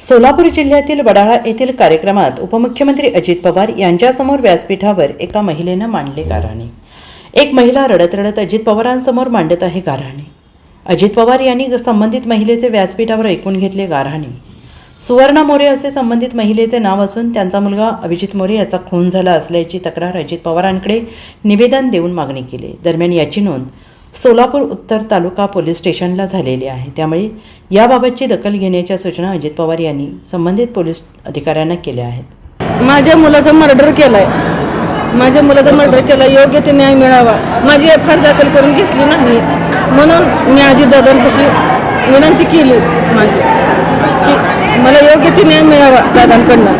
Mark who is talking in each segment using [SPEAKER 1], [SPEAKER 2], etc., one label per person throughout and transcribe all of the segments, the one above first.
[SPEAKER 1] सोलापूर जिल्ह्यातील वडाळा येथील कार्यक्रमात उपमुख्यमंत्री अजित पवार यांच्यासमोर व्यासपीठावर एका महिलेनं मांडले गाऱ्हाणे। एक महिला रडत रडत अजित पवारांसमोर मांडत आहे गाऱ्हाणे। अजित पवार यांनी संबंधित महिलेचे व्यासपीठावर ऐकून घेतले गाऱ्हाणे। सुवर्णा मोरे असे संबंधित महिलेचे नाव असून त्यांचा मुलगा अभिजित मोरे याचा खून झाला असल्याची तक्रार अजित पवारांकडे निवेदन देऊन मागणी केली। दरम्यान याची नोंद सोलापूर उत्तर तालुका पोलीस स्टेशनला झालेली आहे। त्यामुळे याबाबतची दखल घेण्याच्या सूचना अजित पवार यांनी संबंधित पोलीस अधिकाऱ्यांना केल्या आहेत।
[SPEAKER 2] माझ्या मुलाचा मर्डर केलाय, योग्य ते न्याय मिळावा। माझी एफआयआर दाखल करून घेतली नाही म्हणून मी अजित दादांपाशी विनंती केली माझी की मला योग्य ते न्याय मिळावा दादांकडनं।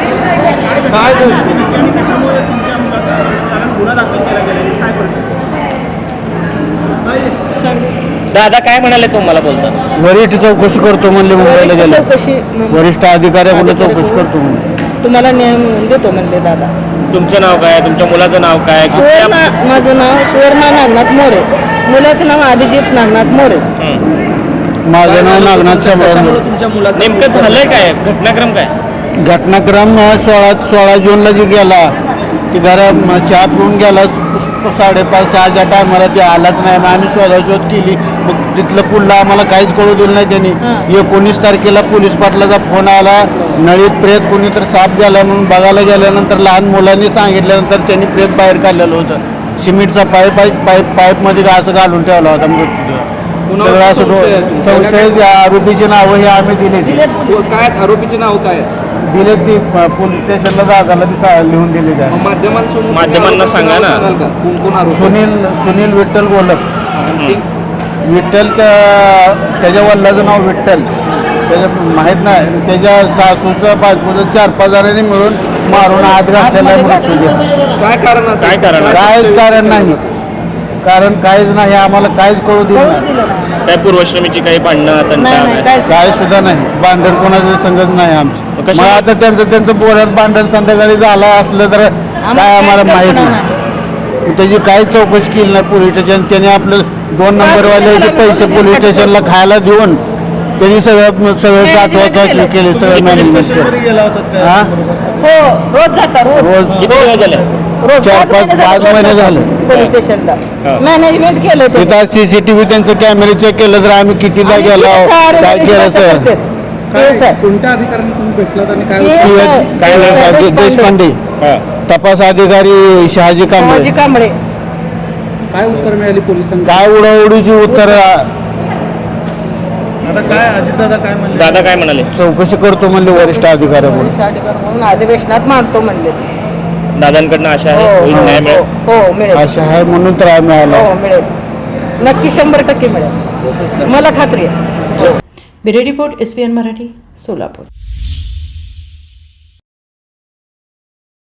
[SPEAKER 3] दादा काय म्हणाले तुम्हाला बोलता?
[SPEAKER 4] वरिष्ठ चौकशी करतो म्हणले, मुंबईला गेले वरिष्ठ अधिकाऱ्याकडे चौकशी करतो म्हणले,
[SPEAKER 2] तुम्हाला न्याय मिळवून देतो म्हणले दादा।
[SPEAKER 3] तुमचं नाव काय, तुमच्या मुलाचं नाव काय?
[SPEAKER 2] माझं नाव सुवर्णा नागनाथ मोरे, मुलाचं नाव अभिजित नागनाथ मोरे।
[SPEAKER 4] माझं नाव नागनाथ शामराव।
[SPEAKER 3] नेमकं झालंय काय, घटनाक्रम काय?
[SPEAKER 4] घटनाक्रम 16 जूनला जी गेला ती घरा चहा पिऊन गेला, 5:30-6च्या टायमाला ते आलाच नाही। मग आम्ही शोधाशोध केली, मग तिथलं पुढलं आम्हाला काहीच कळू दिलं नाही त्यांनी। 19 तारखेला पोलीस पाटलाचा फोन आला, नळीत प्रेत कोणी तर साप गेला म्हणून बघायला गेल्यानंतर लहान मुलांनी सांगितल्यानंतर त्यांनी प्रेत बाहेर काढलेलं होतं। सिमेंटचा पाईपमध्ये असं घालून ठेवला होता मृतदेह। सगळं असं संशयित आरोपीची नावं हे आम्ही दिले।
[SPEAKER 5] काय आरोपीचे नाव काय
[SPEAKER 4] दिले ती पोलीस स्टेशनला दादाला लिहून दिले काय
[SPEAKER 3] माध्यमांना सांगा ना।
[SPEAKER 4] सुनील विठ्ठल गोलक, विठ्ठल त्याच्या वडिलाचं नाव विठ्ठल, त्याच्या माहीत नाही, त्याच्या सासूचं बायकोचं 4-5 जणांनी मिळून मारून आत घातलेला मृत्यू।
[SPEAKER 5] काय कारण
[SPEAKER 4] काहीच कारण नाही, काहीच नाही, आम्हाला काहीच कळू दिलं नाही।
[SPEAKER 3] काय पूर्वश्रमीची काही भांडणं
[SPEAKER 4] काय सुद्धा नाही, भांडण कोणाचं संगत नाही आमचं। मग आता त्यांचं बोऱ्यात भांडण संध्याकाळी झालं असलं तर काय आम्हाला माहीत नाही। त्याची काही चौकशी केली नाही पोलीस स्टेशन। त्यांनी आपलं 2 नंबरवाल्याचे पैसे पोलीस स्टेशनला खायला देऊन त्यांनी सगळं चाचणी केली, सगळं मॅनेजमेंट केलं। हा रोज 4-5 महिने झाले
[SPEAKER 2] पोलीस स्टेशनला मॅनेजमेंट केलं।
[SPEAKER 4] तिथं CCTV त्यांचं कॅमेरे चेक केलं तर आम्ही कितीदा गेलो, काय केलं सर।
[SPEAKER 5] कोणत्या अधिकाऱ्यांनी तुम्ही भेटलात आणि
[SPEAKER 4] काय देशपांडे, तपास अधिकारी शहाजी कांबळे।
[SPEAKER 5] काय उत्तर मिळाली पोलिसांना?
[SPEAKER 4] काय उडाउडीची उत्तर।
[SPEAKER 5] आता काय अजितदादा काय म्हणले?
[SPEAKER 3] दादा काय म्हणाले?
[SPEAKER 4] चौकशी करतो म्हणले वरिष्ठ अधिकाऱ्याकडून,
[SPEAKER 2] म्हणून अधिवेशनात मांडतो म्हणले।
[SPEAKER 3] दादांकडनं आशा आहे होईल न्याय मिळेल?
[SPEAKER 2] हो मिळेल,
[SPEAKER 4] अशा आहे म्हणून तर आम्ही आलो।
[SPEAKER 2] हो मिळेल, नक्की 100% मिळेल, मला खात्री आहे।
[SPEAKER 1] Bureau report SPN Marathi, Solapur.